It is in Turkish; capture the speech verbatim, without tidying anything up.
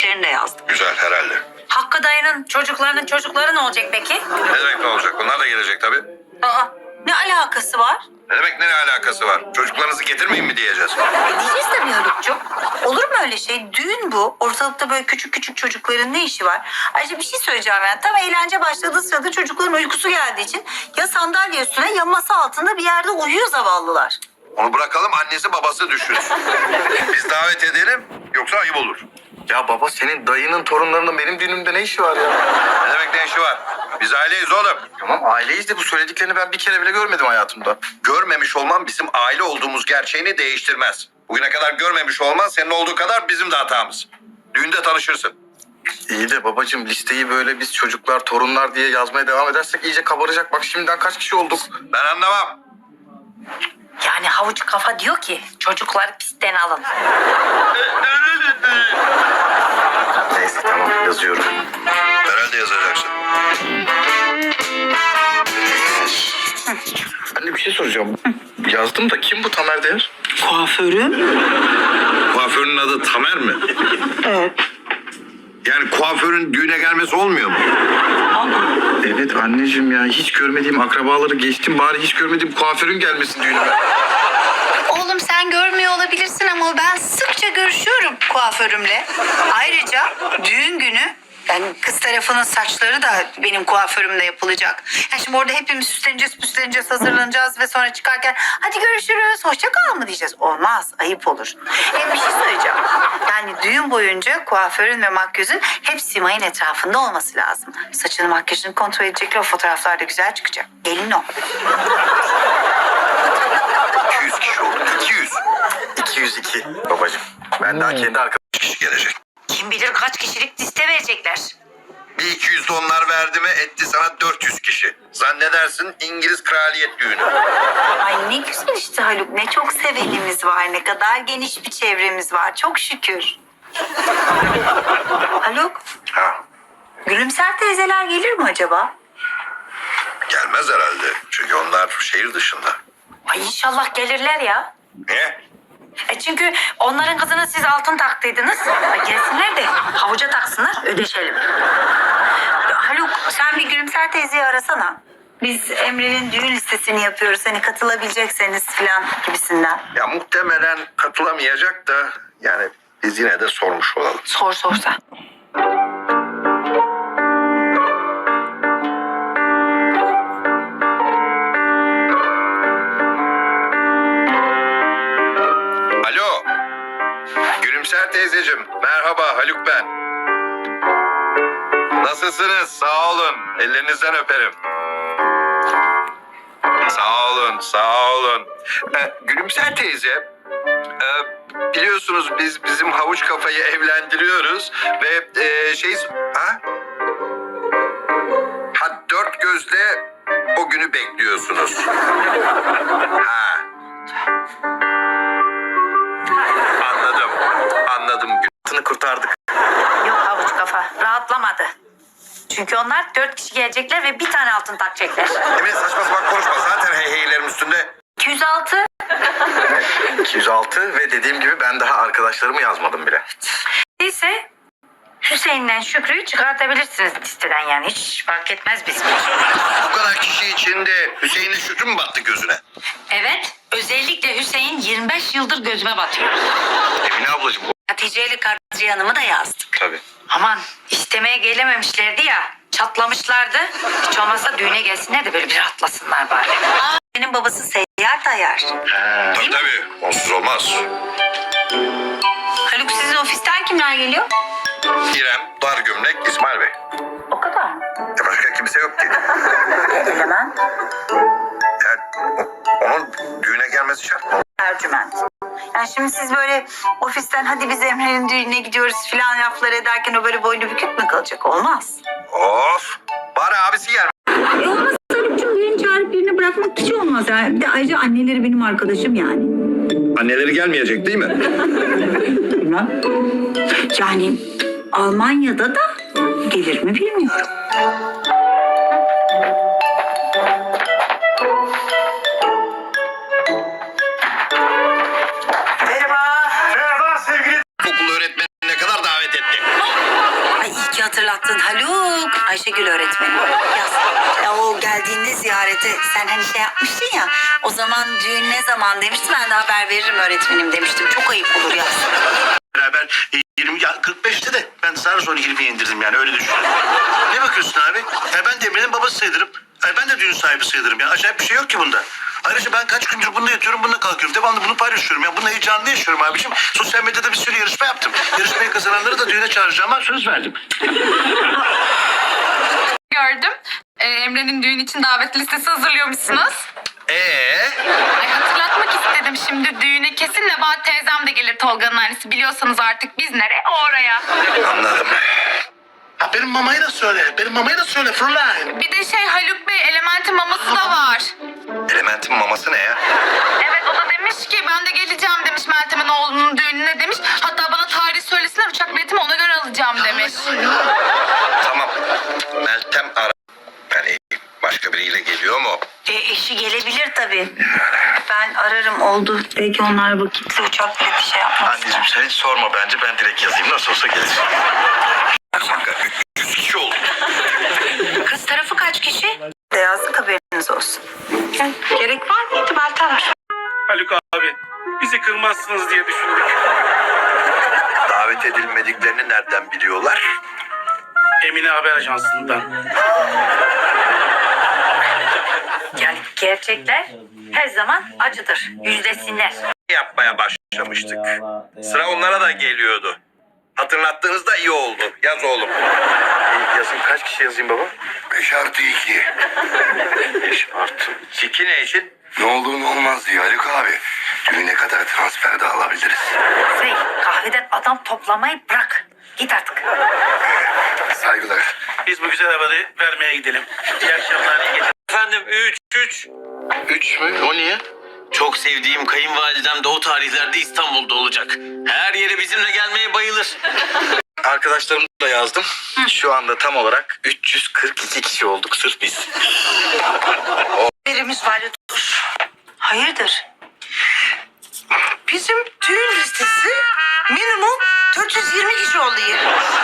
isimlerini de yazdım. Güzel herhalde. Hakkı dayının çocuklarının çocukları ne olacak peki? Ne demek ne olacak? Bunlar da gelecek tabii. Aa, ne alakası var? Ne demek ne alakası var? Çocuklarınızı getirmeyin mi diyeceğiz? E diyeceğiz tabii Haluk'cum. Olur mu öyle şey? Düğün bu. Ortalıkta böyle küçük küçük çocukların ne işi var? Ayrıca bir şey söyleyeceğim yani. Tam eğlence başladığı sırada çocukların uykusu geldiği için ya sandalye üstüne ya masa altında bir yerde uyuyor zavallılar. Onu bırakalım annesi babası düşünsün. Biz davet edelim yoksa ayıp olur. Ya baba senin dayının torunlarının benim düğünümde ne işi var ya? Ne demek ne işi var? Biz aileyiz oğlum. Tamam aileyiz de bu söylediklerini ben bir kere bile görmedim hayatımda. Görmemiş olman bizim aile olduğumuz gerçeğini değiştirmez. Bugüne kadar görmemiş olman senin olduğu kadar bizim de hatamız. Düğünde tanışırsın. İyi de babacığım listeyi böyle biz çocuklar, torunlar diye yazmaya devam edersek iyice kabaracak. Bak şimdiden kaç kişi olduk? Ben anlamam. Yani havuç kafa diyor ki çocukları pistten alın. Neyse tamam yazıyorum. Herhalde yazacaksın. Anne bir şey soracağım. Yazdım da kim bu Tamer Değer? Kuaförüm? Kuaförün adı Tamer mi? Evet. Yani kuaförün düğüne gelmesi olmuyor mu? Evet anneciğim ya hiç görmediğim akrabaları geçtim bari hiç görmediğim kuaförün gelmesin düğünüme. Oğlum sen görmüyor olabilirsin ama ben sıkça görüşüyorum kuaförümle. Ayrıca düğün günü yani kız tarafının saçları da benim kuaförümle yapılacak. Yani şimdi orada hepimiz süsleneceğiz, püsleneceğiz, hazırlanacağız ve sonra çıkarken hadi görüşürüz, hoşça kal mı diyeceğiz? Olmaz, ayıp olur. Hem bir şey söyleyeceğim. Yani düğün boyunca kuaförün ve makyözün hep Simay'ın etrafında olması lazım. Saçını, makyajını kontrol edecekler, o fotoğraflar da güzel çıkacak. Gelin o. iki yüz kişi oldu. iki yüz. iki yüz iki babacığım. Ben daha kendi arkadaşım. Kişi gelecek. Kim bilir kaç kişilik liste verecekler. Bir iki yüz de onlar verdi mi etti sana dört yüz kişi. Zannedersin İngiliz kraliyet düğünü. Ay ne güzel işte Haluk. Ne çok sevenimiz var. Ne kadar geniş bir çevremiz var. Çok şükür. Haluk, Ha, Gülümser teyzeler gelir mi acaba? gelmez herhalde. Çünkü onlar şehir dışında. Ay inşallah gelirler ya. Niye? E çünkü onların kızına siz altın taktıydınız. Ay gelsinler de havuca taksınlar, ödeşelim. Haluk sen bir Gülümser teyzeyi arasana. Biz Emre'nin düğün listesini yapıyoruz. Hani katılabilecekseniz falan gibisinden. Ya muhtemelen katılamayacak da yani biz yine de sormuş olalım. Sor sorsa. Alo. Gülümser teyzeciğim. Merhaba Haluk ben. Nasılsınız? Sağ olun. Ellerinizden öperim. Sağ olun, sağ olun. Ee, Gülümser teyze, e, biliyorsunuz biz bizim havuç kafayı evlendiriyoruz ve e, şey... Ha? Ha dört gözle o günü bekliyorsunuz. Ha. Anladım, anladım. Hayatını kurtardık. Yok havuç kafa rahatlamadı. Çünkü onlar dört kişi gelecekler ve bir tane altın takacaklar. Emine saçma sapan konuşma. Zaten hey heylerim üstünde. iki yüz altı. iki yüz altı ve dediğim gibi ben daha arkadaşlarımı yazmadım bile. Neyse Hüseyin'den Şükrü'yü çıkartabilirsiniz listeden yani. Hiç fark etmez bizim için. Bu kadar kişi içinde Hüseyin'le Şükrü mü battı gözüne? Evet özellikle Hüseyin yirmi beş yıldır gözüme batıyor. Emine ablacığım. Hatice ile Kadriye Hanım'ı da yazdık. Tabii. Aman istemeye gelememişlerdi ya. Çatlamışlardı. Hiç olmazsa düğüne gelsinler de böyle bir rahatlasınlar bari. Aa, benim babası seyyar dayar. Tabii tabii. Onsuz olmaz. Haluk sizin ofisten kimler geliyor? İrem, dar gömlek, İsmail Bey. O kadar mı? Ya başka kimse yok ki. Eleman, Yani o- onun düğüne gelmesi şart mı? Ercüment. Yani şimdi siz böyle ofisten hadi biz Emre'nin düğününe gidiyoruz filan laflar ederken o böyle boynu bükük mü kalacak? Olmaz. Of. Bari abisi gelmez. E olmaz Haluk'cum birini çağırıp birini bırakmak hiç olmaz. Yani. Bir de ayrıca anneleri benim arkadaşım yani. Anneleri gelmeyecek değil mi? Bilmem. Yani Almanya'da da gelir mi bilmiyorum. Merhaba. Okul öğretmenine kadar davet etti. hatırlattın Haluk. Ayşegül öğretmenim. Yaz. Ya o geldiğinde ziyarete sen hani şey yapmıştın ya. O zaman düğün ne zaman demişti, ben de haber veririm öğretmenim demiştim. Çok ayıp olur yaz. Beraber yirmi ya kırk beşte de ben sana sonra yirmiye indirdim yani öyle düşün. Ne bakıyorsun abi? Ya ben de Emre'nin babası sayılırım. Ay ben de düğün sahibi sayılırım ya. Acayip bir şey yok ki bunda. Ayrıca ben kaç gündür bunda yatıyorum, bununla kalkıyorum. Devamlı bunu paylaşıyorum ya. Bununla heyecanlı yaşıyorum abiciğim. Sosyal medyada bir sürü yarışma yaptım. Yarışmayı kazananları da düğüne çağıracağıma söz verdim. Gördüm. Ee, Emre'nin düğün için davet listesi hazırlıyormuşsunuz. Ee? Ay, hatırlatmak istedim şimdi düğüne kesin Nebahat teyzem de gelir, Tolga'nın annesi. Biliyorsanız artık biz nereye o oraya. Anladım. Ha, benim mamayı da söyle. Benim mamayı da söyle Fräulein. Bir de şey Haluk Bey Element'in maması da var. Elementin maması ne ya? Evet o da demiş ki ben de geleceğim demiş Meltem'in oğlunun düğününe demiş. Hatta bana tarih söylesinler uçak biletimi ona göre alacağım demiş. Tamam. Meltem ara. Yani başka biriyle geliyor mu? E, eşi gelebilir tabii. Ben ararım oldu. Belki onlar vakitle uçak bileti şey yapmaz. Anneciğim sen hiç sorma bence. Ben direkt yazayım. Nasıl olsa gelir. Yüz kişi oldu. Kız tarafı kaç kişi? De yazdık, haberiniz olsun. Gerek var mıydı Meltem? Haluk abi, bizi kırmazsınız diye düşündük. Davet edilmediklerini nereden biliyorlar? Emine Haber Ajansı'ndan. Yani gerçekler her zaman acıdır. Yüzlesinler. Yapmaya başlamıştık. Sıra onlara da geliyordu. Hatırlattığınızda iyi oldu. Yaz oğlum. Yazayım, kaç kişi yazayım baba? Beş artı iki. Beş artı. İki ne için? Ne olur ne olmaz diyor Haluk abi. Düğüne kadar transfer de alabiliriz. Şey, kahveden adam toplamayı bırak. Git artık. Saygılar. Biz bu güzel haberi vermeye gidelim. İyi akşamlar, iyi geceler. Efendim üç üç. Üç mü? O niye? Çok sevdiğim kayınvalidem de o tarihlerde İstanbul'da olacak. Her yere bizimle gelmeye bayılır. Arkadaşlarımı da yazdım. Şu anda tam olarak üç yüz kırk iki kişi olduk sırf biz. Birimiz var ya, dur. Hayırdır? Bizim düğün listesi minimum dört yüz yirmi kişi oluyor.